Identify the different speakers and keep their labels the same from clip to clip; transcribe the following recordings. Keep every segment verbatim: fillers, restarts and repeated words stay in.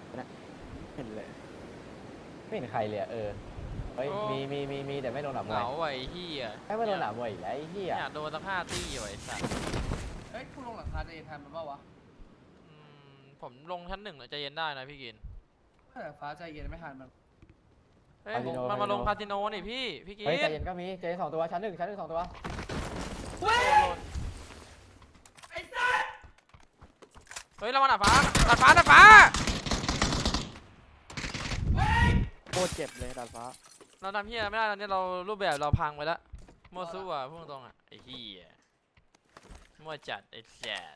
Speaker 1: นะเห็นเลย
Speaker 2: ไม่เห็นใครเลยเออเฮ้ยมีมีมีมีแต่ไม่โดนหนามมวย
Speaker 3: เหงาไอ้เหี้ย
Speaker 2: ไม่โดนหนามมวยอีกแล้วไอ้เหี้ย
Speaker 3: อยากโดนสักห้าตี้ไว้สัตว์
Speaker 4: เฮ้ยคุณลงหลังคาจะเอ็นทันมันเปล่าวะ
Speaker 3: อืมผมลงชั้นหนึ่งใจเย็นได้นะพี่กิน
Speaker 4: ถ้าแต่ฟ้าใจเย็นไม่ทันมัน
Speaker 3: เฮ้ยมันมาลงคาสิโนนี่พี่พี่กิน
Speaker 2: เฮ้ยใจเย็นก็มีใจเย็นสองตัวชั้นหนึ่งชั้นหนึ่งสองตัว
Speaker 4: เฮ้ยไอ้สัส
Speaker 3: เฮ้ยเรามาหน้าฟ้าตัดฟ้าตัดฟ้า
Speaker 1: โคตรเจ็บเลยดาดฟ้า
Speaker 3: เราทำเหี้ยไม่ได้ตอนนี้เรารูปแบบเราพังไปแล้วโมซุอ่ะพูดตรงอ่ะไอ้เหี้ยมั่วจัดไอ้แสบ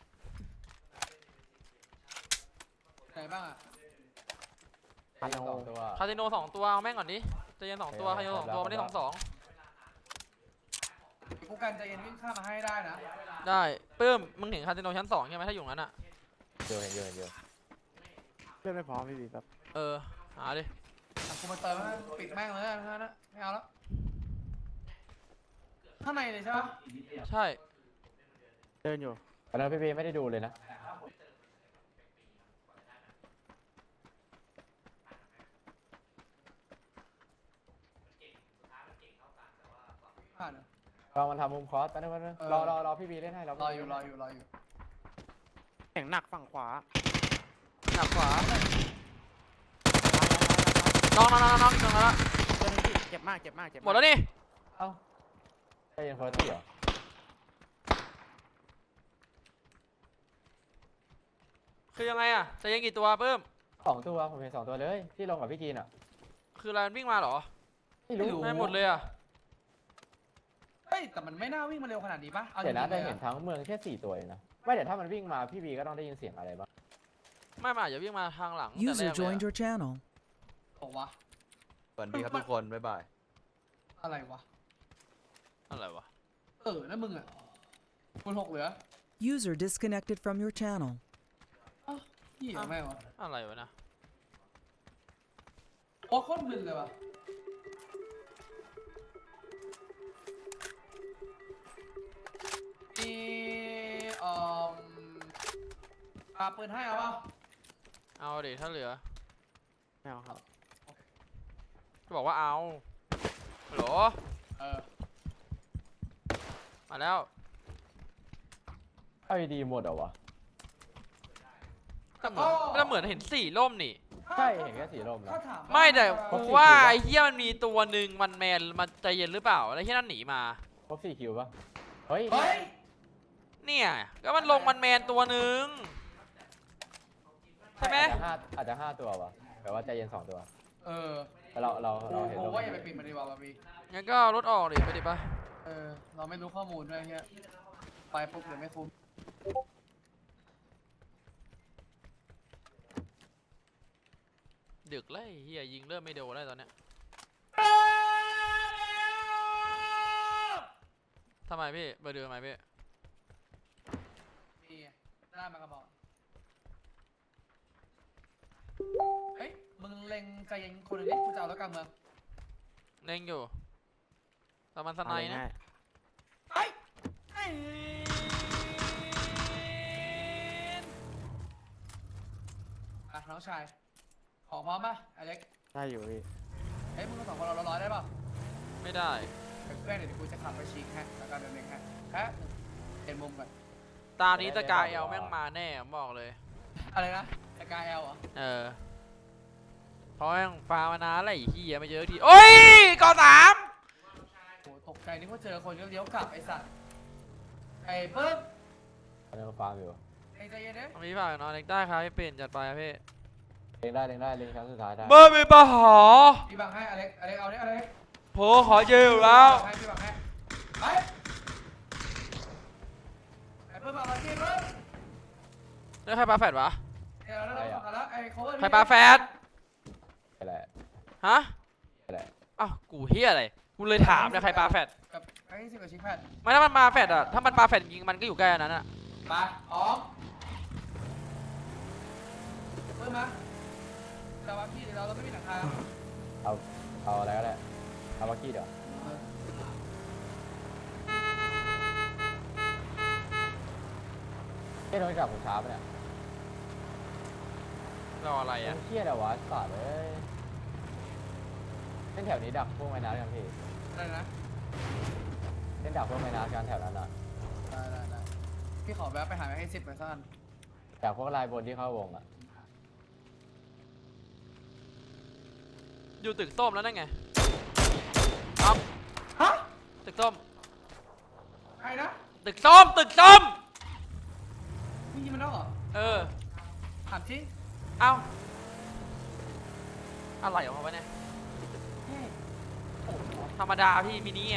Speaker 4: ไหนบ้างอ่ะ
Speaker 2: ชั้นหนึ่งสองตัว
Speaker 3: คาสิโนสองตัวเอาแม่งก่อนดิใจเย็นสองตัวคาสิโนสองตัวไม่ได้สองสอง
Speaker 4: กูกันใจเย็นวิ่งข้ามมาให้ได้นะ
Speaker 3: ได้ปื้มมึงเห็นคาสิโนชั้นสองใช่ไหมถ้าอยู่งั้นอ่ะ
Speaker 2: เยอะเยอะเยอะ
Speaker 1: เพื่อนไม่พร้อมพี่บีครับ
Speaker 3: เออหาดิ
Speaker 4: อ่ะกูมาเติมให้ปิดแม่งเลยนะนะไม่เอาแล้วข้างในเลยใช่ปะ
Speaker 3: ใช่
Speaker 1: เดินอยู่
Speaker 2: ตอนนั้นพี่พีไม่ได้ดูเลยนะ
Speaker 4: ผ่านเหรอ
Speaker 2: ลองมันทำมุมคอสไปนึงไปนึงรอรอรอพี่พีเล่นให้รอ
Speaker 4: รออยู่รออยู่รออยู่
Speaker 1: แข่งหนักฝั่งขวา
Speaker 3: หนักขวาน้องน้องน้องน้องน้องแล้ว
Speaker 1: เพื่อนพี่เจ็บมากเจ็บมากเจ็บ
Speaker 3: หมดแล้วนี่
Speaker 2: เอ้าใจเย็นเฟิร์สตี้เหรอ
Speaker 3: คือยังไงอ่ะจะยังกี่ตัวปื้ม
Speaker 2: สองตัวผมเห็นสองตัวเลยที่ลงกับพี่กีนอ่ะ
Speaker 3: คืออะไรมันวิ่งมาเหรอ
Speaker 2: ไม่รู้
Speaker 3: ไม่หมดเลยอ่ะ
Speaker 4: เฮ้ยแต่มันไม่น่าวิ่งมาเร็วขนาดนี้ปะเอาจ
Speaker 2: เดี๋ยวนะ
Speaker 4: ริงๆ
Speaker 2: แต่
Speaker 4: เลย
Speaker 2: เห็น
Speaker 4: อะ
Speaker 2: ทั้งเมืองแค่สี่ตัวเองนะไม่แต่ถ้ามันวิ่งมาพี่บีก็ต้องได้ยินเสียงอะไรบ้าง
Speaker 3: ไม่มาอาจจะวิ่งมาทางหลังแต่แร
Speaker 5: User
Speaker 3: กเลย
Speaker 5: joined
Speaker 3: อะ
Speaker 5: your channel.
Speaker 4: บอกวะ
Speaker 6: สวัสดีครับทุกคนบ๊ายบาย
Speaker 4: อะไรวะ
Speaker 3: อะไรวะ
Speaker 4: เออนั่นมึงอ่ะคุณหกเหลือ
Speaker 5: User disconnected from your channel.
Speaker 4: อ้าวเหี้ยแม่งวะ
Speaker 3: อะไรวะนะ
Speaker 4: โอ้โคตรมึนเลยวะมีเอ่อปาปืนให้เอาเปล่า
Speaker 3: เอาดิถ้าเหลือ
Speaker 1: ไม่เอาครับ
Speaker 3: ก็บอกว่าเอาฮัลโหล
Speaker 4: เออ
Speaker 3: มาแล้ว
Speaker 2: เอาดีหมดเหรอวะ
Speaker 3: ก็เหมือนก็เหมือนเห็นสี่ล่มนี่
Speaker 2: ใช่เห็นแค่สีลมนะ
Speaker 4: ถ้าถามว่า
Speaker 3: ไม่แต่
Speaker 2: ครบ
Speaker 3: กู
Speaker 2: สี่
Speaker 3: ว่า
Speaker 2: คิวปะ
Speaker 3: ไอ้เหี้ยมันมีตัวหนึ่งมันแมนมันใจเย็นหรือเปล่าแล้วที่นั่นหนีมา
Speaker 2: ครบสี่คิวปะเฮ้ย
Speaker 4: เฮ้ย
Speaker 3: เนี่ยก็มันลงมันแมนตัวหนึ่งใช่ไหม
Speaker 2: อาจจะห้าอาจจะห้าตัววะแต่ว่าใจเย็นสองตัว
Speaker 4: เออ
Speaker 2: แต่เราเราเราเห็น
Speaker 4: ผ
Speaker 2: ล
Speaker 4: ม
Speaker 2: ม
Speaker 4: ว่าอย่าไปปิดมันดีกว่าบาบี
Speaker 3: งั้นก็เอารถออกดิไปดิปะ
Speaker 4: เออ เราไม่รู้ข้อมูลด้วยเฮียไปปุ๊บเดี๋ยวไม่คุ้ม
Speaker 3: ดึกเลยเฮียยิงเริ่มไม่โดนแล้วตอนเนี้ยทำไมพี่เบอร์เดือทำไมพี่
Speaker 4: นี่หน้ามากระบอกเฮ้ย มึงเล็งใจเย็นคนหนึงดิกูจะเอาแล้วกลางเมือง
Speaker 3: เล่งอยู่แต่มันสไนด์นะ
Speaker 1: ง่าย
Speaker 4: เฮ้ยไอ้อ่ะน้องชาย ของพร้อมป่ะอเล็ก
Speaker 1: ๆได้อยู่พี่
Speaker 4: เฮ้ยมึงสองคนเราร้อยได้ป่ะ
Speaker 3: ไม่ได้
Speaker 4: เพื่อนเดี๋ยวกูจะขับไปชี้แฮะแล้วก็เดินเองฮะแฮะเห็นมุมก่อน
Speaker 3: ตานี้ตะกายเอลแม่งมาแน่ผมบอกเลย
Speaker 4: อะไรนะสกายเอลเหรอ
Speaker 3: เออเพราะแม่งฟาร์มานานอะไรเฮียไม่เจอทีโอ้ยกอสาม
Speaker 4: โหตกใจนึกว่าเจอคนก็เลี้ยวกลับไอ้สัตว์ไอ้ปึ๊บ
Speaker 2: อันนี้ก็ฟาร์มอยู่
Speaker 4: ไอ้ใจเย็นเด้อ
Speaker 3: มีฝากน้องเล็กได้ครับพี่เปลี่ยนจัดไปครับพี่
Speaker 2: เล็งได้เล็งได้เล็งครั้งสุดท้ายได้
Speaker 3: เบอร์มีปะหอ
Speaker 4: พี่บังให้อเล็กอเล็กเอาดิอเล็ก
Speaker 3: โผขอเจออยู่แล้ว
Speaker 4: ให้พี่บังให้ไปไอ้ปึ๊บเอาละพี่ปึ๊บ
Speaker 3: แล้วใครปาแฟดวะ
Speaker 4: เดี๋ยวเราเอาละไอ้ cover
Speaker 3: ใครปาแฟด
Speaker 2: อะไร
Speaker 3: ฮะ
Speaker 2: อะไร
Speaker 3: อ้าวกูเฮียอะไรกูเลยถามเนี่ยใครปาแฟด
Speaker 4: กับไอ้สิบกับชิคแพด
Speaker 3: ไม่ถ้ามันมาแฟดอะถ้ามันปาแฟดจริงมันก็อยู่ใกล้อันนั้นอะ
Speaker 4: มาออกปึ๊บมาแต่ว่าพี่เราเราไม่มีหลังคา
Speaker 2: เอาเอาอะไรก็ได้เอาบักกี้เดี๋ยวเฮ้ยโดนจับผมช้าปะเนี่ย
Speaker 3: รออะไรอ่ะ
Speaker 2: เครียดอะวะสัตว์เอ้ยเส้นแถวนี้ดักพวกไม้น้ำกันพี่
Speaker 4: อะไรนะ
Speaker 2: เส้นดักพวกไม้น้ำกันแถวนั้นอ่ะ
Speaker 4: ได้ได้ได้พี่ขอแวะไปหาให้สิบไปสักอัน
Speaker 2: จากพวกลายบนที่เข้าวงอ่ะ
Speaker 3: อยู่ตึกส้มแล้วนั่นไงครับ
Speaker 4: ฮะ
Speaker 3: ตึกส้ม
Speaker 4: ใครนะ
Speaker 3: ตึกส้มตึกส้ม
Speaker 4: พี่ยิงมันแล้วเหรอ
Speaker 3: เออ
Speaker 4: ถามที่
Speaker 3: เอ้าอะไรของเขาวะเนี่ยธรรมดาพี่มินิไง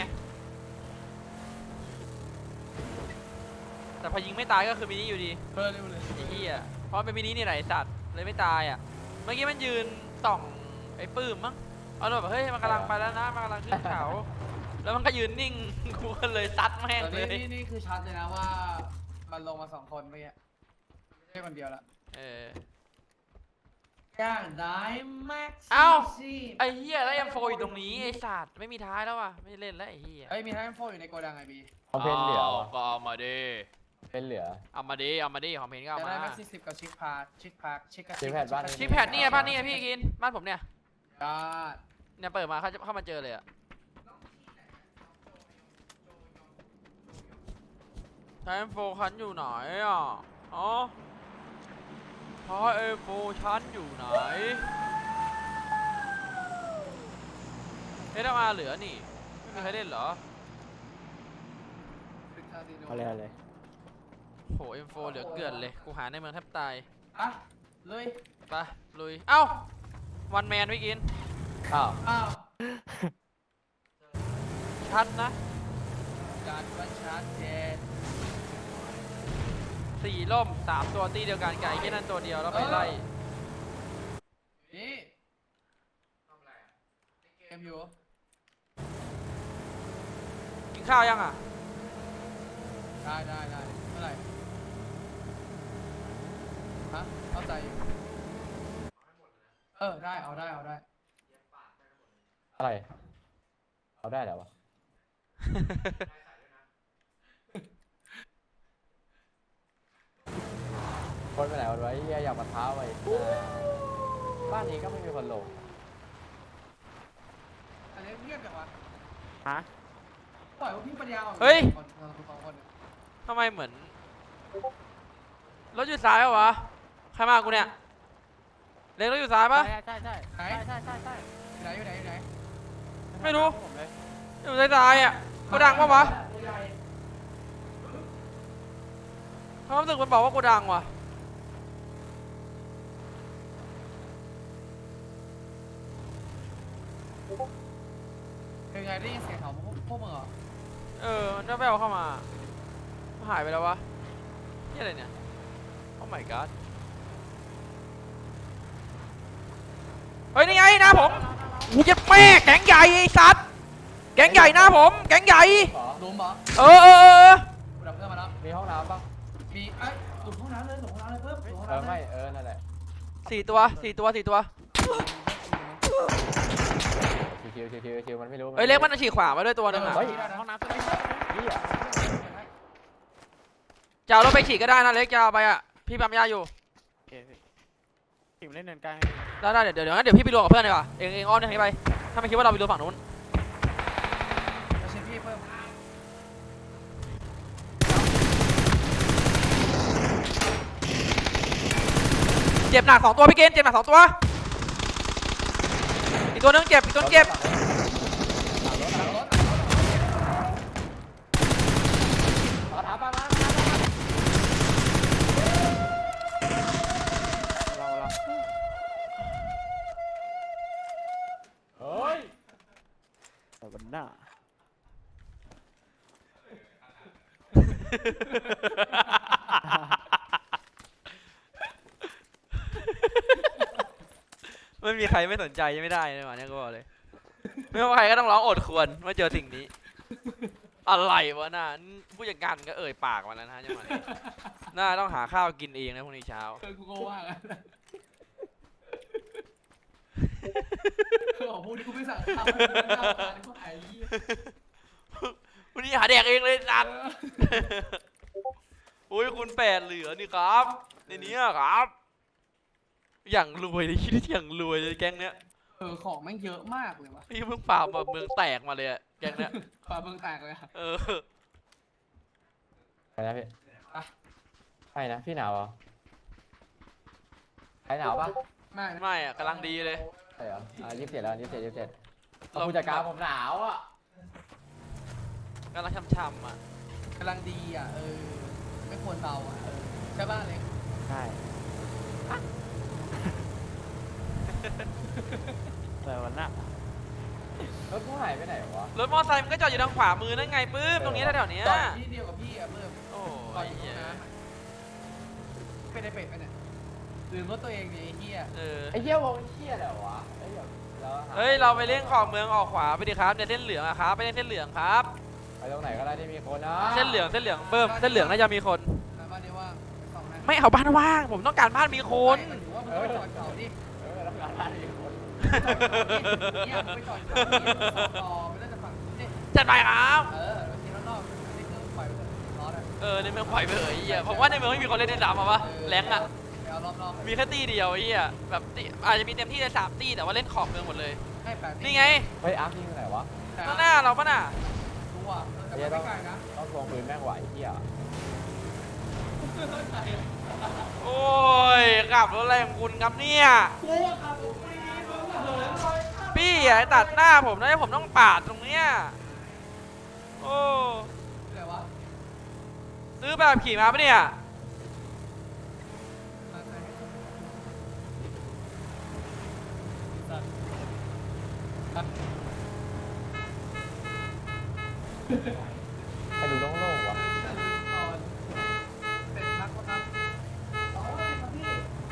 Speaker 3: แต่พอยิงไม่ตายก็คือมินิอยู่ดี
Speaker 4: เบอร์เร็วเลย
Speaker 3: ไอ้เหี้ยเพราะมันเป็นมินินี่แหละไอ้สัตว์เลยไม่ตายอ่ะเมื่อกี้มันยืนส่องไอ้ปื้มมั้งเอาแบบเฮ้ยมันกำลังไปแล้วนะมันกำลังขึ้นเขาแล้วมันก็ยืนนิ่ง กูก็เลยซัดแม่ง
Speaker 4: ตอน
Speaker 3: เล
Speaker 4: นี้
Speaker 3: ย
Speaker 4: นี่นี่คือชัดเลยนะว่ามันลงมาสองคนเมื่อกี้ไม่ใช่คนเดียวละ
Speaker 3: เออ
Speaker 4: ย่างได้แม็กซ์
Speaker 3: เอ้า
Speaker 4: ซี
Speaker 3: ไอ้เหี้ยแล้วเอ็มโฟอยู่ตรงนี้ไอ้สัตว์ไม่มีท้ายแล้วว่ะไม่เล่นแล้วไอ้เหี้ย
Speaker 4: เอ้ยมีไทม์โฟอยู่ในโกดังไงบี
Speaker 2: เอาเพนเหลือ
Speaker 3: าว
Speaker 2: วะ
Speaker 3: ก็เอามาดิ
Speaker 2: เพนเหลือ
Speaker 3: เอามาดิเอามาดิของเพนก็เอา
Speaker 4: จะ
Speaker 3: มา
Speaker 4: ได้แม็กซ์ซีสิบกับชิคพาร์ชิคพาร์ชิคกับ
Speaker 2: ชิคแพดบ้าน
Speaker 3: ชิปแพดนี่ไงบ้านนี่ไงพี่กินบ้านผมเนี่ย
Speaker 4: ได้
Speaker 3: เนี่ยเปิดมาเขาจะเข้ามาเจอเลยอะไทม์โฟชั้นอยู่ไหนอ่ะอ๋อไทม์โฟชั้นอยู่ไหนเอสอาร์เหลือนี่ไม่มีใครเล่นเหรอ
Speaker 1: เอาเลยเอาเลย
Speaker 3: โหเอ็มโฟเหลือเกลือนเลยกูหาในเมืองแทบตาย
Speaker 4: อ่ะเลย
Speaker 3: ไปลุยเอ้าวันแมนพี่กิน
Speaker 2: อ้าว
Speaker 4: อ้าว
Speaker 3: ชัดนะ
Speaker 4: การวัดชัดเจน
Speaker 3: สี่ล่มสามตัวตีเดียวกันไก่แค่นั้นตัวเดียวแล้วไปไล่
Speaker 4: นี่เกมอยู่
Speaker 3: กินข้าวยังอ่ะ
Speaker 4: ได้ได้ได้เมื่อไหร่ฮะเข้าใจอยู่เออได้เอาได้เอาได้
Speaker 2: อะไรเอาได้แล้ววะคนไปไหนวันไว้เหี้ยอยากมาท้าไว้บ้านนี้ก็ไม่มีคนลง
Speaker 4: อันนี้เงียบจังวะ
Speaker 1: ฮะ
Speaker 4: ปล่อยพวกพี่ปัญญาอ่อน
Speaker 3: เฮ้ย
Speaker 4: คนเราสองคนเนี่ย
Speaker 3: ทำไมเหมือนรถอยู่ซ้ายวะวะใครมากูเนี่ยเล็งรถอยู่ซ้ายปะ
Speaker 1: ใช่ใช่ใช่ใช่ใช่ใช่ใช่
Speaker 4: อยู่ไหนอยู่ไหนอยู่ไหน
Speaker 3: ไม่รู้
Speaker 1: ผมเลย
Speaker 3: อยู่ซ้ายซ้ายๆอ่ะกูดังปะวะความรู้สึกมันบอกว่ากูดังว่ะ
Speaker 4: เป็นไงได้ยินเสียงของพวกพวกมึงเหรอ
Speaker 3: เออมันแว่วๆเข้ามาหายไปแล้ววะนี่อะไรเนี่ย โอ้ my god เฮ้ยนี่ไงหน้าผมกูจะแม่แก๊งใหญ่ไอ้สัตว์แก๊งใหญ่หน้าผมแก๊งใหญ่
Speaker 2: ขอ
Speaker 4: หลุมเหรอ
Speaker 3: เออเออเออ
Speaker 4: กูดับเพื่อนมาแล้ว
Speaker 2: มีห้องน้ำปะ
Speaker 4: มีไอ้ยหลุมห้องน้ำเลยหลุมห้องน้ำเลยเพิ่มหลุมห้อง
Speaker 2: เออ
Speaker 4: น้ำเล
Speaker 2: ไม่
Speaker 4: ย
Speaker 2: เออนั่นแหละ
Speaker 3: สี่ตัวสี่ตัวสี่ตัว
Speaker 2: ชิวๆชิวๆชิวๆมันไม่รู้
Speaker 3: เฮ้ยเล็กมันฉีกขวามาด้วยตัวหนึงอ่ะ
Speaker 2: เฮ้ย
Speaker 1: ห้องน้ำตัวนี้
Speaker 2: เหี้ย
Speaker 3: จะเอารถไปฉีกก็ได้นะเล็กจะเอาไปอ่ะพี่ปั๊มยาอยู่
Speaker 1: โอเคพี่ทีมเล่นเนินกลาง
Speaker 3: ได้ได้เดี๋ยวเดี๋ยวงั้นเดี๋ยวพี่ไปรวมกับเพื่อนดีกว่าเองเองอ้อมทางนี้ไปถ้าไม่คิดว่าเราไปรวมฝั่งนู้น
Speaker 4: เอาเชฟพี่เพิ่ม
Speaker 3: เจ็บหนักสองตัวพี่เกณฑ์เจ็บหนักสองตัวอีกตัวนึงเจ็บอีกตัวนึงเจ็บ
Speaker 2: เอาถามมามา
Speaker 1: เราเรา
Speaker 2: เฮ้ย
Speaker 1: แต่วันหน้า
Speaker 3: ไม่มีใครไม่สนใจยังไม่ได้เลยวันนี้ก็บอกเลยไม่ว่าใครก็ต้องร้องโอดควรเมื่อเจอสิ่งนี้อะไรวะน่าผู้จัดการก็เอ่ยปากมาแล้วนะฮะจังหวะนี้น่าต้องหาข้าวกินเองนะพรุ่งนี้เช้า
Speaker 4: เออกูก็ว่ากันบอกพวกนี้กูไม่สั่งข้าวกูไม่สั่งข้าวกูหายเหี้ย
Speaker 3: วันนี้หาแดกเองเลยสัตว์
Speaker 4: เออ
Speaker 3: อุ้ยคุณแปดเหลือนี่ครับในนี้ครับอย่างรวยเลยคิดที่อย่างรวยเลยแก๊งเนี้ย
Speaker 4: เออของแม่งเยอะมากเลยวะ
Speaker 3: พี่เพิ่งฝ่าแบบเมืองแตกมาเลยอะแก๊งเนี้ย
Speaker 4: ปลาเมืองแตกเลยอะ
Speaker 3: เออ
Speaker 2: ไปนะพี่
Speaker 4: อ่ะ
Speaker 2: ไปนะพี่หนาวเหรอใครหนาวปะ
Speaker 4: ไม่นะ
Speaker 3: ไม่อะกำลังดีเลย
Speaker 2: ใช่เหรออ่ะยี่สิบเจ็ดแล้วยี่สิบเจ็ดยี่สิบเจ็ด
Speaker 3: เรา
Speaker 2: ผู้จัดการผมหนาวอ่ะ
Speaker 3: กำลังช่ำๆอ่ะ
Speaker 4: กำลังดีอ่ะเออไม่ควรเบาอ่ะเออใช่ป่ะเล็ก
Speaker 2: ใช่
Speaker 1: อะไรวะน่ะ
Speaker 2: รถกูหายไปไหนวะ
Speaker 3: รถมอเตอร์ไซค์มันก็จอดอยู่ทางขวามือนั่นไงปื้มตรงนี้แถวๆเนี้ย
Speaker 4: ตอนที่เดียวกับพี่อ่ะเพิ่ม
Speaker 3: โอ้
Speaker 4: ตอน
Speaker 3: ย
Speaker 4: อยู่ตร
Speaker 3: เหี้
Speaker 4: ง
Speaker 3: ย
Speaker 4: น้ำอะเป็นไอเป็ดไปเนี่ยลืมรถตัวเองดิไอ้เหี้ย
Speaker 3: เออ
Speaker 2: ไอ้เหี้ยวงเหี้ยอะไรวะไอ้เหี้ยเราห
Speaker 3: เฮ้ยเราไปเล่นขอบเมืองออกขวาไปดิครับเนี่ยเส้นเหลืองอะครับไปเล่นเส้นเหลืองครับ
Speaker 2: ไปตรงไหนก็ได้ที่มีคนนะ
Speaker 3: เส้นเหลืองเส้นเหลืองเบิ้มเส้นเหลืองน่าจะมีคน
Speaker 4: แล้วบ้านเดียวว่างไปส่องนะ
Speaker 3: ไม่เอาบ้านว่างผมต้องการบ้านมีคน
Speaker 4: ไม่มันถือว่ามึงไปจอดเขาดิ
Speaker 2: เออแล้วก็ได้มีคน
Speaker 4: เนี่ยมึงไปจอดเขาดิมึงสองต่อไม่ได้จะฝั่งนู้นดิ
Speaker 3: จัดไปครับ
Speaker 4: เออทีรอบๆนี่คือปล่อยไปเถอะร้อนอ่ะ
Speaker 3: เออในเมืองปล่อยไปเถอะไอ้เหี้ยผมว่าในเมืองไม่มีคนเล่นในสามอะวะแรงอะ
Speaker 4: ไปเอารอบๆ
Speaker 3: มีแค่ตีเดียวไอ้เหี้ยแบบตีอาจจะมีเต็มที่ในสามตีแต่ว่าเล่นขอบเมืองหมดเลย
Speaker 4: ให้แปด
Speaker 3: นี่ไง
Speaker 2: เฮ้ยอาร์คยิงไปไหนวะ
Speaker 3: ข้างหน้าเราปะน่ะ
Speaker 4: ดูอ่ะแต่ไม่ไกลนะ
Speaker 2: ต้องลงปืนแม่งไหวไอ้เหี้ย
Speaker 3: โอ้ยขับรถอะไรของคุณครับเนี่ย
Speaker 4: กูอ่ะขับรถฟรีมึงอ่ะเหินลอยข้าม
Speaker 3: พี่อย่าตัดหน้าผมนะผมต้องปาดตรงเนี้ยโอ้
Speaker 4: อะไรวะ
Speaker 3: ซื้อแบบขี่มาปะเนี่ย
Speaker 4: มาไหนสัตว์
Speaker 2: ไปดูโล่งๆวะ
Speaker 4: เป็นพักวะครับเอาเลยครับพี่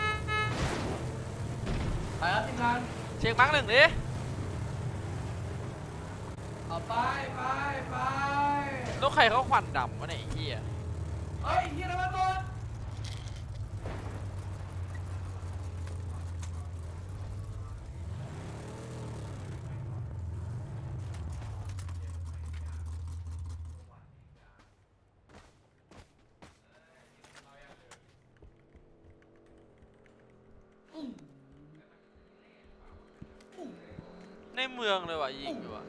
Speaker 4: ไปครับทีมงาน
Speaker 3: เช็คมาร์กหนึ่งดิ
Speaker 4: เอาไปไปไป
Speaker 3: รถใครเขาควันดำวะเนี่ยไอ้เหี้ย
Speaker 4: เฮ้ยเฮียนะมาก่อน
Speaker 3: ในเมืองเลยว่ะยิงอยู่ว่ะ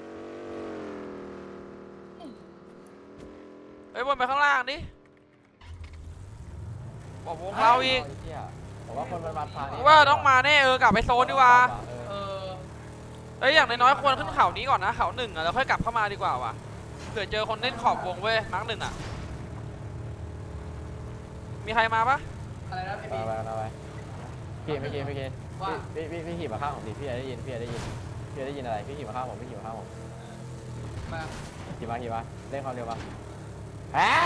Speaker 3: เฮ้ยวนไปข้างล่างดิบอกวงเราอีก
Speaker 2: ไเหี้ยผมว่าคนมันมาทางนี้
Speaker 3: ว่าต้องมาแน่เออกลับไปโซนดีกว่า
Speaker 2: เออ
Speaker 4: เออ
Speaker 3: เอ้ยอย่างน้อยๆควรขึ้นเขานี้ก่อนนะเขาหนึ่งอ่ะแล้วค่อยกลับเข้ามาดีกว่าว่ะเผื่อเจอคนเล่นขอบวงเว้ยมาร์กหนึ่งอ่ะมีใครมาปะ
Speaker 4: อะไรนะพี่
Speaker 2: ไป
Speaker 4: พี่
Speaker 2: ไปไปไปพี่ไม่กินไม่กิน
Speaker 4: ว่า
Speaker 2: พี่พี่พี่ขี่มาข้างผมดิพี่จะได้ยินพี่จะได้ยินพี่จะได้ยินอะไรพี่ขี่มาข้างผมพี่ขี่มาข้างผม
Speaker 4: มา
Speaker 2: ขี่มาขี่มาเล่นความเร็วมาแฮะ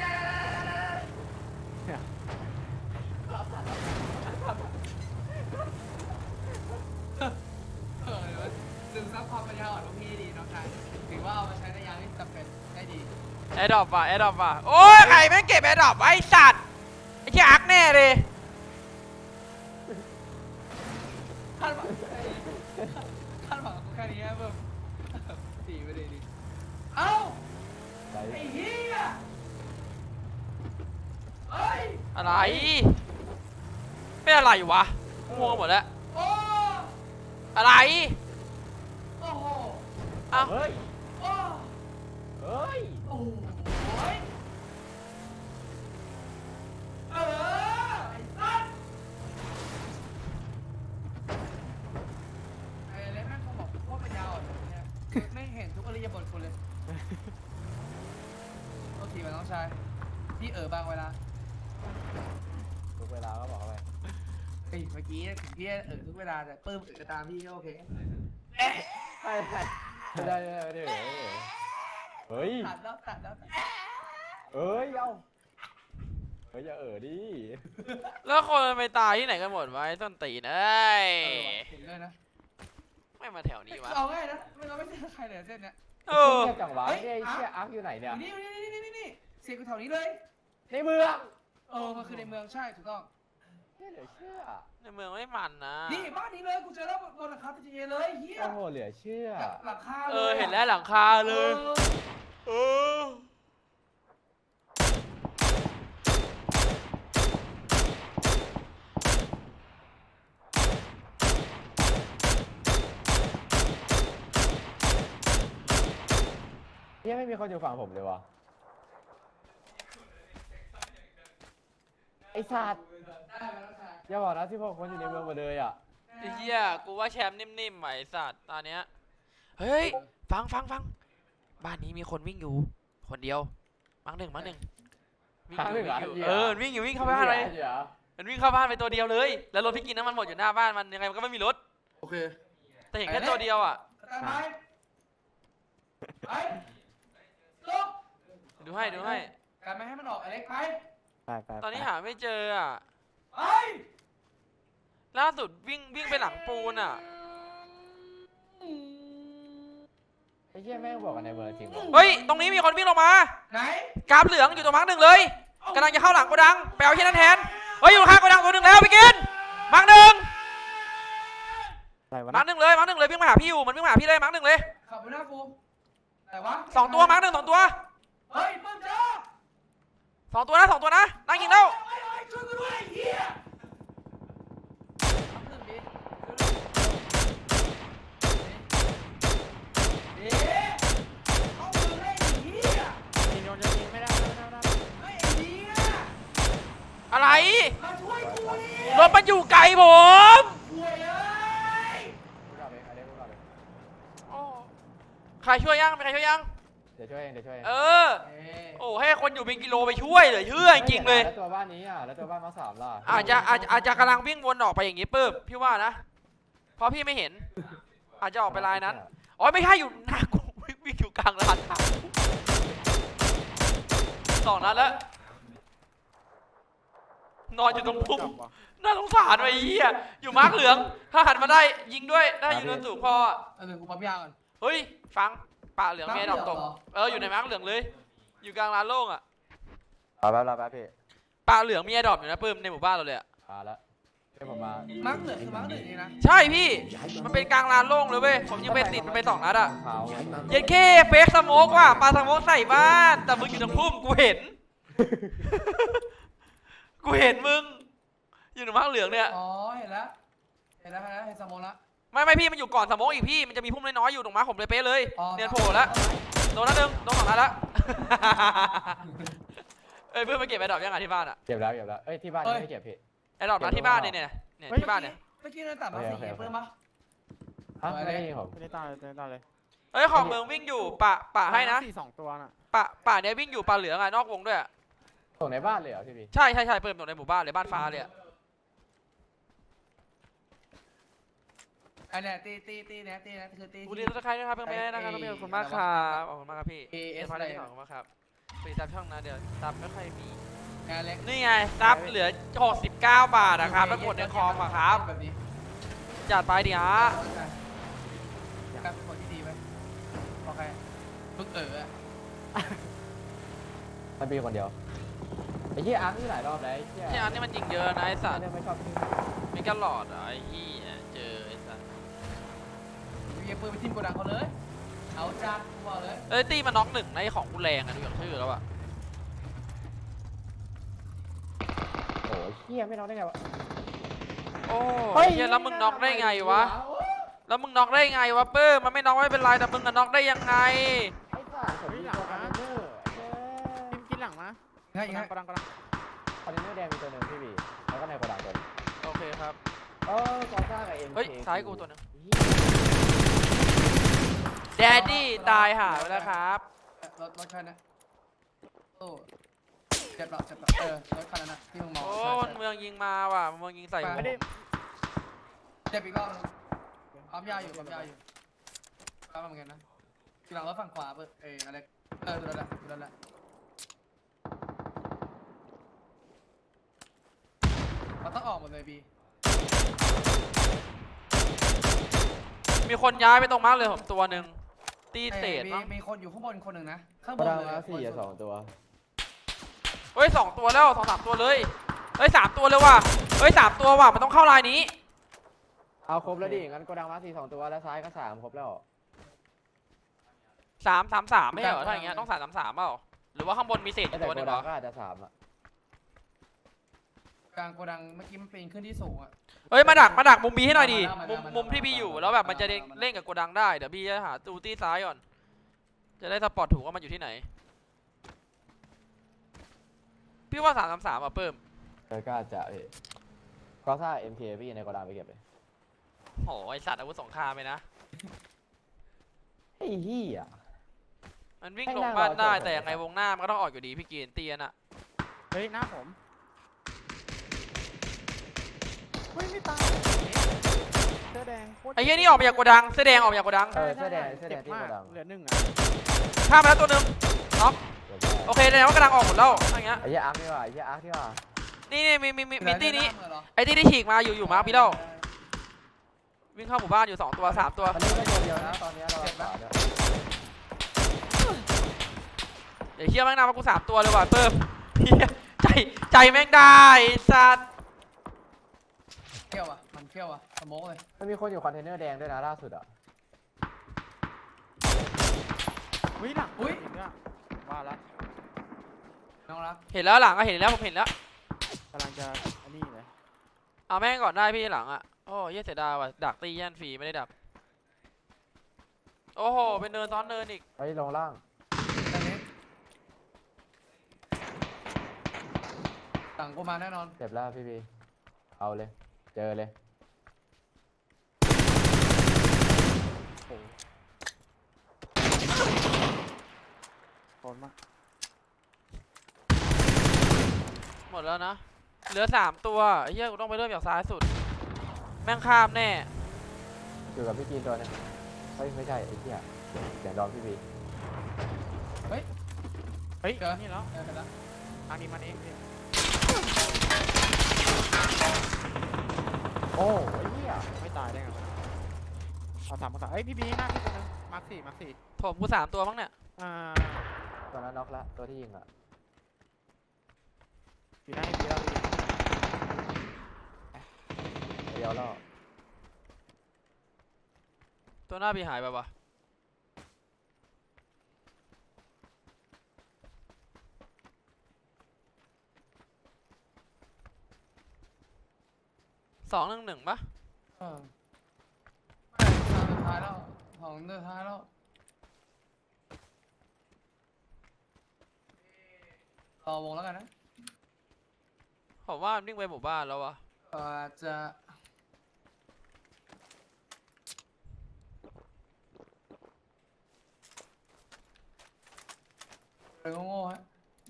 Speaker 4: เออเดี๋ยวซึมซับความปัญญาอ่อนของพี่ดีน้องชายถือว่าเอามาใช้ในยามที่จำเป็นได้ดี
Speaker 3: แอร์ดรอปว่ะแอร์ดรอปว่ะโอ้ยใครแม่งเก็บแอร์ดรอปไว้ไอ้สัตว์ไอ้เหี้ยอักแน่เลย
Speaker 4: คาดหวังคาดหวังแค่นี้เพิ่มดีไปเลยดีเอ้า
Speaker 2: ไหน
Speaker 4: ไอ้เหี้ยเฮ้ย
Speaker 3: อะไรเป็นอะไรวะง่วงหมดแล้ว
Speaker 4: โอ้
Speaker 3: อะไร
Speaker 4: โอ้โห
Speaker 3: เอ้า
Speaker 2: เฮ้ย
Speaker 4: โอ้
Speaker 2: เฮ้ย
Speaker 4: โอ้ยเออไอ้สัสไอ้เล็กแม่งเขาบอกว่าปัญญาอ่อนเนี่ยไม่เห็นทุกอริยบทคุณเลยโทษทีมาน้องชายพี่เออบางเวลา
Speaker 2: ทุกเวลาก็บอกไป
Speaker 4: เฮ้ยเมื่อกี้ถึงพี่เออทุกเวลาแต่ปื้มเออตามพี่ก็โอเค
Speaker 2: ไม่ได้ไม่ได้ไม่ได้ไม่ได้เฮ้ย
Speaker 4: ตัดแล้วตัดแล้วตัด
Speaker 2: เอ้ยเอ้าเฮ้ยอย่าเออดิ
Speaker 3: แล้วคนมันไปตายที่ไหนกันหมดวะไอ้ต้นตีนเอ้ย
Speaker 4: เออว่ะเห็นเลยนะ
Speaker 3: ไม่มาแถวนี้วะ
Speaker 4: เอาง่ายนะไม่เราไม่เจอใครเลยเส้นเนี้ย
Speaker 3: เออ
Speaker 2: เงียบจังวะเนี่ยไอ้เชี่ยอาร์คอยู่ไหนเนี่ย
Speaker 4: นี่นี่นี่นี่นี่นี่เสียงกูแถวนี้เลย
Speaker 2: ในเมือง
Speaker 4: เออมันคือในเมืองใช่ถูกต้อง
Speaker 2: เนี่ยเหลือเชื่อ
Speaker 3: ในเมืองไม่มันนะ
Speaker 4: นี่บ้านนี้เลยกูเจอแล้วบนหลังคาพีเจเลยเฮีย
Speaker 2: โอ้โหเหลือเชื่อ
Speaker 4: หลังคา
Speaker 3: เออเห็นแล้วหลังคาเลย เออ
Speaker 2: ชี่ยไม่มีคนอยู่ฝั่งผมเลยวะไอ้สัตว์อย่าบอกนะที่พวกคนอยู่ในเมืองหมดเลยอ่ะ
Speaker 3: ไอ้เหี้ยกูว่าแชมป์นิ่มๆไหมสัตว์ตอนเนี้ยเฮ้ยฟังฟังฟังบ้านนี้มีคนวิ่งอยู่คนเดียวมั้งหนึ่งมั้งหนึ่งวิ่งอยู่วิ่งอยู่เออวิ่งอยู่วิ่งเข้าบ้านเลยมันวิ่งเข้าบ้านไปตัวเดียวเลยแล้วรถพี่กินน้ำมันหมดอยู่หน้าบ้านมันยังไงมันก็ไม่มีรถ
Speaker 4: โอเค
Speaker 3: แต่เห็นแค่ตัวเดียวอ่ะ
Speaker 4: ตามไปไปลง
Speaker 3: ดูให้ดูให้
Speaker 4: การไม่ให้มันออกอเล็กไป
Speaker 1: ไปไป
Speaker 3: ตอนนี้หาไม่เจออ่ะ
Speaker 4: ไป
Speaker 3: ล่าสุดวิ่งวิ่งไปหลังปูนอ่ะ
Speaker 2: ไอ้เชี่ยแม่งบอกกันในเมืองจริงวะ
Speaker 3: เฮ้ยตรงนี้มีคนวิ่งลงมา
Speaker 4: ไหน
Speaker 3: กราฟเหลืองอยู่ตรงมาร์กหนึ่งเลยกำลังจะเข้าหลังโกดังไปเอาที่นั่นแทนเฮ้ยอยู่ข้างโกดังตัวหนึ่งแล้วพี่กินมาร์กหนึ่ง
Speaker 1: อะไรวะ
Speaker 3: มาร์
Speaker 1: นะ
Speaker 3: กหนึ่งเลยมาร์กหนึ่งเลยวิ่งมาหาพี่อยู่มันวิ่งมาหาพี่เลยมาร์กหนึ่งเลย
Speaker 4: ขับไปหน้ากูแต่ว่า
Speaker 3: สองตัวมาร์กหนึ่งสองตัว
Speaker 4: เฮ้ยมึงเจอ
Speaker 3: สองตัวนะสองตัวนะนั่งยิงแล้ว
Speaker 4: เฮ้ยเฮ้ยช่วยกูด้วยไอ้เหี้ยเอ๊ะเอามือให้ไอ้เหี้ย
Speaker 1: ยิงโดนจะยิงไม่ได้ไม่ได้ไม่ได้
Speaker 4: เฮ้ยไอ้เหี้ย
Speaker 3: อะไร
Speaker 4: มาช่วยกูดิ
Speaker 3: รถมันอยู่ไกลผม
Speaker 4: ห่วยเอ้ย
Speaker 2: พูดเอาเลยเอาเลยพูดเอาเลย
Speaker 3: โอ้ใครช่วยยังมีใครช่วยยัง
Speaker 2: เดี๋ยวช่วยเองเดี๋ยวช่วยเอง
Speaker 3: เออ
Speaker 4: เอ๊ะ
Speaker 3: โอ้ให้คนอยู่เป็นกิโลไปช่วยเลยเชื่อจริงๆเลย
Speaker 2: แล้วตัวบ้านนี้อ่ะแล้วตัวบ้านมาสามล่ะ
Speaker 3: อาจจะอาจจะอาจจะกำลังวิ่งวนออกไปอย่างงี้ปึ๊บพี่ว่านะเพราะพี่ไม่เห็น อาจจะออกไปลายนั้นอ๋อไม่ใช่อยู่หน้ากูวิ่งวิ่งอยู่กลางลานทางสองนัดแล้วนอนอยู่ตรงพุ่ม
Speaker 1: จับวะ
Speaker 3: น่าสงสารไอ้เหี้ยอยู่มาร์กเหลืองถ้าหันมาได้ยิงด้วยได้อยู่เนินสูงพออะ
Speaker 4: เอาหนึ่งกูปั๊มยาก่อน
Speaker 3: เฮ้ยฟังป่าเหลืองเมดอกตก
Speaker 4: เหรอ
Speaker 3: เอออยู่ในมาร์กเหลืองเลย อยู่กลางลานโล่งอ่ะ
Speaker 2: รอแป๊บรอแป๊บพี่
Speaker 3: ป่าเหลืองมีไอ้ดอกอยู่นะปื้มในหมู่บ้านเราเลยอ่ะ
Speaker 2: มาแล้วเดี๋ยวผมมา
Speaker 4: มาร์กเหลืองคือมาร์กเหลืองนี่นะ
Speaker 3: ใช่พี่มันเป็นกลางลานโล่งเลยเว้ยผมยิงไปติดมันไปสองนัดอ่ะ
Speaker 2: เท้า
Speaker 3: เย็นเคเฟกสโมกว่ะปลาสโมกใส่บ้านแต่มึงอยู่ตรงพุ่มกูเห็น กูเห็นมึงอยู่ในมาร์กเหลืองเนี่ย
Speaker 4: อ๋อเห็นแล้วเห็นแล้วเห็นแล้วเห็นสมองแล้ว
Speaker 3: ไม่ไม่พี่มันอยู่ก่อนสโมกอีกพี่มันจะมีพุ่มน้อยๆอยู่ตรงมาร์คผมเลยเป๊ะเลย
Speaker 4: อ๋อ
Speaker 3: เนียนโผล่แล้วโดนนัดหนึ่งโดนสองนัดแล้ว เอ้ยเพื่อนมาเก็บไอ้ดอกยังไงที่บ้านอ่ะ
Speaker 2: เก็บแล้วเก็บแล้วเอ้ยที่บ้านยังไม่เก็บพี่
Speaker 3: ไอ้ดอกนัดที่บ้านเนี่ยเนี่ยเนี่ยที่บ้านเนี่ย
Speaker 4: เมื่อกี้เราตัดมาสี่เพิ่มปะ
Speaker 2: ฮะไม่ได้ยิงผม
Speaker 1: ไม่ได้ตายไม่ได้ตายเลย
Speaker 3: เอ้ยของเมืองวิ่งอยู่ป่าป่าให้นะ
Speaker 1: สี่สองตัวน่ะ
Speaker 3: ป่าป่าเนี่ยวิ่งอยู่ป่าเหลืองอะนอกวงด้วยอะ
Speaker 2: ส่งในบ้านเลยเหรอพี่พี่
Speaker 3: ใช่ใช่ใช่เปิดตรงในหมู่บ้านเลยบ้านฟ้าเลยอะ
Speaker 4: อันเนี้ยตีตีตีเนี่ยตีเนี่ยคือตี
Speaker 3: บุรีรัตน์ใครนะครับเพื่อนแม่นะครับขอบคุณมากครับขอบคุณมากครับพี่เอสพาร์ทที่สองขอบคุณมากครับไปตามช่องนะเดี๋ยวตามไม่ค่อยมี
Speaker 4: งานเล็ก
Speaker 3: นี่ไงซับเหลือหกสิบเก้าบาทนะครับแล้วกดในคอมอะครับ
Speaker 4: แบบนี้
Speaker 3: จัดไปดิฮะ
Speaker 4: การเป็นคนที่ดีไหมโอเคมึงเออ
Speaker 2: มันมีคนเดียวไอ้เหี้ยอาร์ตนี่หลายรอบแล้วไอ้เหี้ย
Speaker 3: ที่อันนี้มันยิงเยอะนะไอ้สัตว์
Speaker 2: เนี่ยไม่ชอบที่
Speaker 3: มีกันหลอดเหรอไอ้ยี่เจอไอ้สัตว์
Speaker 4: เยียปืนไปทิมโกดังเขาเลยเอาจัดกูบอกเลย
Speaker 3: เอ้ยตีมันน็อกหนึ่งในของกูแรงอะดูอย่างชื่อแล้วอะ
Speaker 2: โอ้ยเหี้ยไม่น้องได้ไงวะ
Speaker 3: โอ้ยเหี้ยแล้วมึงน็อกได้ไงวะแล้วมึงน็อกได้ไงวะเปิ้มมันไม่น็อกไม่เป็นไรแต่มึงอะน็อกได้ยังไง
Speaker 2: ไอ้สัตว์ผมมีตัวคอนเทนเนอร์เย้
Speaker 1: กินกินหลังมา
Speaker 4: ง่ายง่าย
Speaker 1: กระดังกระดัง
Speaker 2: คอนเทนเนอร์แดงมีตัวหนึ่งพี่บีแล้วก็ในโกดังตัวหนึ่ง
Speaker 3: โอเคครับ
Speaker 2: เออกอซ่ากับเอ็ม
Speaker 3: เฮ้ยซ้ายกูตัวหนึงแดดดี้ตายหาไปแล้วครับ
Speaker 4: รถรถคันนะโอ้เจ็บหรอเจ็บหรอเออรถคันนั้นนะที่มึงมอง
Speaker 3: โอ้มันเมืองยิงมาว่ะมันเมืองยิงใส่ผม
Speaker 1: ไม่ได้
Speaker 4: เจ็บอีกรอบนึงปั๊มยาอยู่ปั๊มยาอยู่ปั๊มเหมือนกันนะทีหลังรถฝั่งขวาเปิดเอออะไรเออดูแล้วแหละดูแล้วแหละมันต้องออกหมดเลยบี
Speaker 3: มีคนย้ายไปตรงมาร์กเลยผมตัวหนึ่งตีเศษ
Speaker 4: มี
Speaker 3: มั้ง
Speaker 4: มีคนอยู่ข้างบนคนหนึ่งนะข้าง
Speaker 2: โก
Speaker 4: บน
Speaker 2: ดัง
Speaker 4: เลย
Speaker 2: แล้วสี่กับสองตัว
Speaker 3: เฮ้ยสองตัวแล้วสองสามตัวเลยเฮ้ยสามตัวเลยว่ะเฮ้ยสามตัวว่ะมันต้องเข้าลายนี้
Speaker 2: เอาครบแล้วดิงั้นโกดังมาสี่สองตัวแล้วซ้ายก็สามครบแล้ว
Speaker 3: สามสามสามไม่ใช่เหรอถ้าอย่างเงี้ยต้องสามสามสามเปล่าหรือว่าข้างบนมีเศษอี
Speaker 2: แต่
Speaker 3: กตัวห
Speaker 2: โก
Speaker 3: นึ่งเห
Speaker 2: ดั
Speaker 3: รง อ
Speaker 2: ก็อาจจะสามอ่ะ
Speaker 4: กลางโกดังเมื่อกี้มันปีนขึ้นที่สูงอ่ะ
Speaker 3: เฮ้ยมาดักมาดักมุมบีให้หน่อยดิ
Speaker 4: มา
Speaker 3: มุ
Speaker 4: แล้ว
Speaker 3: ม
Speaker 4: มาแล้ว
Speaker 3: มุมที่บีอยู่
Speaker 4: มาแล้ว
Speaker 3: แล้วแบบมันจะ
Speaker 4: มาแล้ว
Speaker 3: เล่นกับโกดังได้เดี๋ยวบีจะหาตูตี้ซ้ายก่อนจะได้สปอร์ตถูกว่ามันอยู่ที่ไหนพี่ว่าสามสามสามอ่ะเพิ่ม
Speaker 2: เออก็อาจจะเอก็ถ้า เอ็ม เค พี่ในโกดังไปเก็บเลย
Speaker 3: โหไอสัตว์อาวุธสงครามไปนะ
Speaker 2: ไอ้เหี้ย
Speaker 3: มันวิ่ง
Speaker 2: ให้
Speaker 3: ลง
Speaker 2: นั่ง
Speaker 3: บ้าน
Speaker 2: รอ
Speaker 3: ได้
Speaker 2: จบ
Speaker 3: แต่ยังไง
Speaker 2: ก่อน
Speaker 3: วงหน้ามันก็ต้องออกอยู่ดีพี่กีนเตียนอ่ะ
Speaker 1: เฮ้ยหน้าผมเฮ้ยไม่ตายเสื้อแดงโคตร
Speaker 3: ไอ้เหี้ยนี่ออกมาจากโกดังเสื้อแดงออกมาจากโกดัง
Speaker 2: เออเสื้อแดงเสื้อแดงที่
Speaker 1: จ็บ
Speaker 2: โก
Speaker 1: มาก
Speaker 2: ดัง
Speaker 1: เหลือหนึ่งอ่ะ
Speaker 3: ข้ามมาแล้วตัวหนึงน็อก
Speaker 2: เดี๋ยวได้
Speaker 3: โอเคแสดงว่ากำลังออกหมดแล้วอะไรเงี้ย
Speaker 2: ไอ้เหี้ยอาร์คนี่ว่ะไอ้เหี้ยอาร์คนี่ว่ะ
Speaker 3: นี่นี่มีมีมีมีตี้นี้
Speaker 4: เหมือนเหรอ
Speaker 3: ไอ้ตี้ที่ฉีกมาอยู่อยู่มาร์คพี่เล่าวิ่งเข้าหมู่บ้านอยู่สองตัวสามตัว
Speaker 2: มันนี่ก็ตัวเดียวนะตอนเนี้ยเราขวาเนี่ย
Speaker 3: เดี๋ยวเฮียแม่งนำมากูสามตัวเลยว่ะเพิ่มเฮียใจใจแม่งได้ไอ้สัตว์
Speaker 4: เที่ยวอ่ะมันเที่ยวอ่ะสโมกเลย
Speaker 2: มันมีคนอยู่คอนเทนเนอร์แดงด้วยนะล่าสุดอ่ะ
Speaker 1: อุ้ยหลังอุ้ยเนี่ยว่าละ
Speaker 4: น้องรัก
Speaker 3: เห็นแล้วหลังก็เห็นแล้วผมเห็นแล้ว
Speaker 1: กำลังจะอันนี้เลย
Speaker 3: เอาแม่งก่อนได้พี่หลังอ่ะโอ้เฮียเสียดายว่ะดักตีแย่นฟรีไม่ได้ดักโอ้โหเป็นเนินซ้อนเนินอีก
Speaker 2: เฮ้ยลงล่าง
Speaker 4: ตอนนี้สั่งกูมาแน่นอน
Speaker 2: เจ็บแล้วพี่บีเอาเลยเจอเลย
Speaker 1: โคตรมาก
Speaker 3: หมดแล้วนะเหลือสามตัวไอ้เฮียกูต้องไปเริ่มจากซ้ายสุดแม่งข้ามแน่
Speaker 2: อยู่กับพี่กีนตัวนึงเฮ้ยไม่ใช่ไอ้เหี้ยเสียงดอมพี่บี
Speaker 1: เฮ้ย
Speaker 4: เจอ
Speaker 1: นี่แล้ว
Speaker 4: เจอกันแล้ว
Speaker 1: ทางนี้มันเองพี่
Speaker 2: โอ้ไอ้เหี้ย
Speaker 1: ไม่ตายได้ไงวะเอาสามมาสามเอ้ยพี่บีหน้าพี่คนนึงมาร์คสี่มาร์คสี่
Speaker 3: ผมกูสามตัวมั้งเนี่ย
Speaker 1: อ่า
Speaker 2: ตัวนั้นน็อกละตัวที่ยิงอ่ะ
Speaker 1: อยู่หน้าให้พี่แล้วพี่
Speaker 2: เดียวแล้ว
Speaker 3: ตัวหน้าพี่หายไปวะสองหนึ่งหนึ่งปะ
Speaker 4: เออไม่ทางสุดท้ายแล้วของสุดท้ายแล้วต่อวงแล้วกันนะ
Speaker 3: ผมว่ามันวิ่งไปหมู่บ้านแล้ววะ
Speaker 4: เอ่อจะเดินก็โง่ฮะ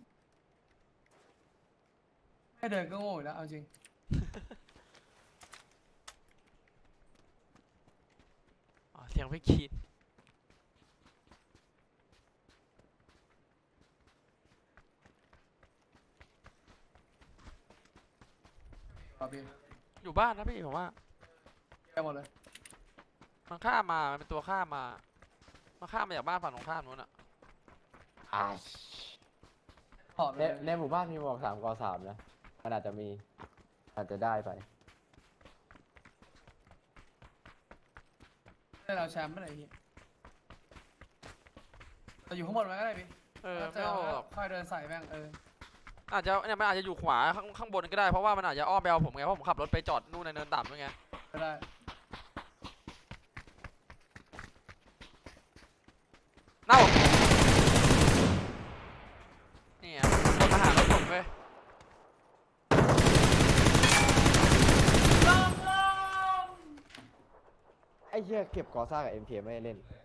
Speaker 4: ไม่เดินก็โง่อยู่แล้วเอาจริง
Speaker 3: อ๋อเสียงพี่คีน
Speaker 4: ต่อพี่
Speaker 3: อยู่บ้านนะพี่ผมว่า
Speaker 4: แก้หมดเลย
Speaker 3: มันข้ามมามันเป็นตัวข้ามมามันข้ามมาจากบ้านฝั่งตรงข้ามนู้นอะ
Speaker 2: อ่า
Speaker 4: ถอดไป
Speaker 2: ใน
Speaker 4: เลย
Speaker 2: ในหมู่บ้านมีหมวกสามกอสามนะมันอาจจะมีอาจจะได้ไป
Speaker 4: ได้เราแชมป์ไม่ไหนพี่แต่อยู่ข้างบนมันก็ได้พี่
Speaker 3: เออ
Speaker 4: แล้ว
Speaker 3: ไม่
Speaker 4: เจอ
Speaker 3: เอาหรอก
Speaker 4: ค่อยเดินใส่แม่งเออ
Speaker 3: อาจจะเนี่ยมันอาจจะอยู่ขวาข้างข้างบนก็ได้เพราะว่ามันอาจจะอ้อมไปเอาผมไงเพราะผมขับรถไปจอดนู่นในเนินต่ำด้วยไง
Speaker 4: ก็ได้
Speaker 3: เน่านี่อ่ะคนมาหารถผมเว้ย
Speaker 2: ไอ้เหี้ยเก็บกอซ่ากับ เอ็ม เค ไม่ได้เล่น